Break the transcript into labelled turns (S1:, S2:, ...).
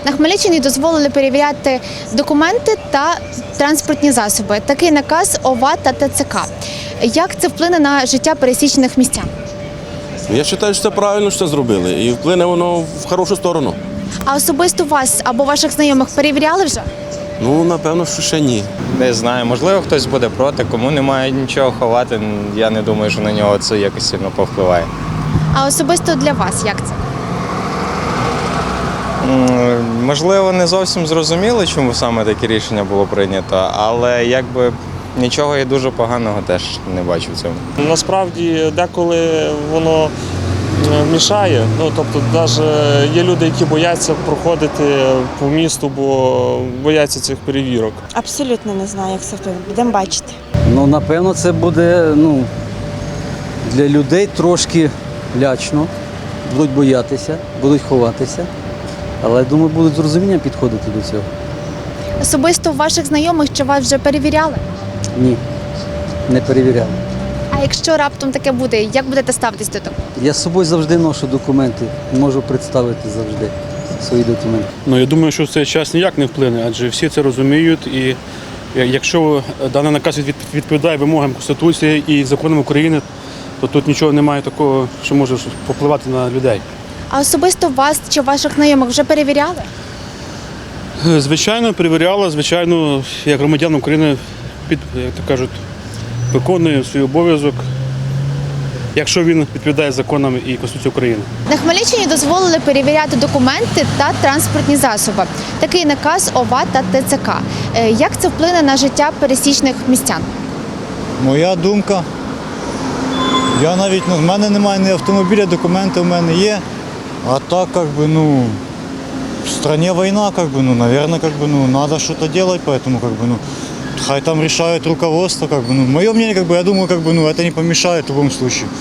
S1: На Хмельниччині дозволили перевіряти документи та транспортні засоби. Такий наказ ОВА та ТЦК. Як це вплине на життя пересічних містян?
S2: Я вважаю, що це правильно, що це зробили, і вплине воно в хорошу сторону.
S1: А особисто вас або ваших знайомих перевіряли вже?
S2: Ну, напевно, що ще ні.
S3: Не знаю, можливо, хтось буде проти, кому немає нічого ховати. Я не думаю, що на нього це якось сильно повпливає.
S1: А особисто для вас як це?
S3: Можливо, не зовсім зрозуміло, чому саме таке рішення було прийнято, але якби нічого і дуже поганого теж не бачу в цьому.
S4: Насправді деколи воно мішає. Тобто, навіть є люди, які бояться проходити по місту, бо бояться цих перевірок.
S5: Абсолютно не знаю, як це вплине. Будемо бачити.
S6: Ну, напевно, це буде для людей трошки лячно, будуть боятися, будуть ховатися. Але, я думаю, будуть з розумінням підходити до цього.
S1: Особисто ваших знайомих чи вас вже перевіряли?
S6: Ні, не перевіряли.
S1: А якщо раптом таке буде, як будете ставитись до того?
S6: Я з собою завжди ношу документи, можу представити завжди свої документи.
S7: Я думаю, що в цей час ніяк не вплине, адже всі це розуміють. І якщо даний наказ відповідає вимогам Конституції і законам України, то тут нічого немає такого, що може впливати на людей.
S1: А особисто вас чи ваших знайомих вже перевіряли?
S7: Звичайно, перевіряла, звичайно, як громадян України, як то кажуть, виконує свій обов'язок, якщо він відповідає законам і Конституції України.
S1: На Хмельниччині дозволили перевіряти документи та транспортні засоби. Такий наказ ОВА та ТЦК. Як це вплине на життя пересічних містян?
S8: Моя думка. Я навіть, в мене немає ні автомобіля, документи в мене є. А так, в стране война, наверное, надо что-то делать, поэтому, хай там решает руководство, мое мнение, я думаю, это не помешает в любом случае.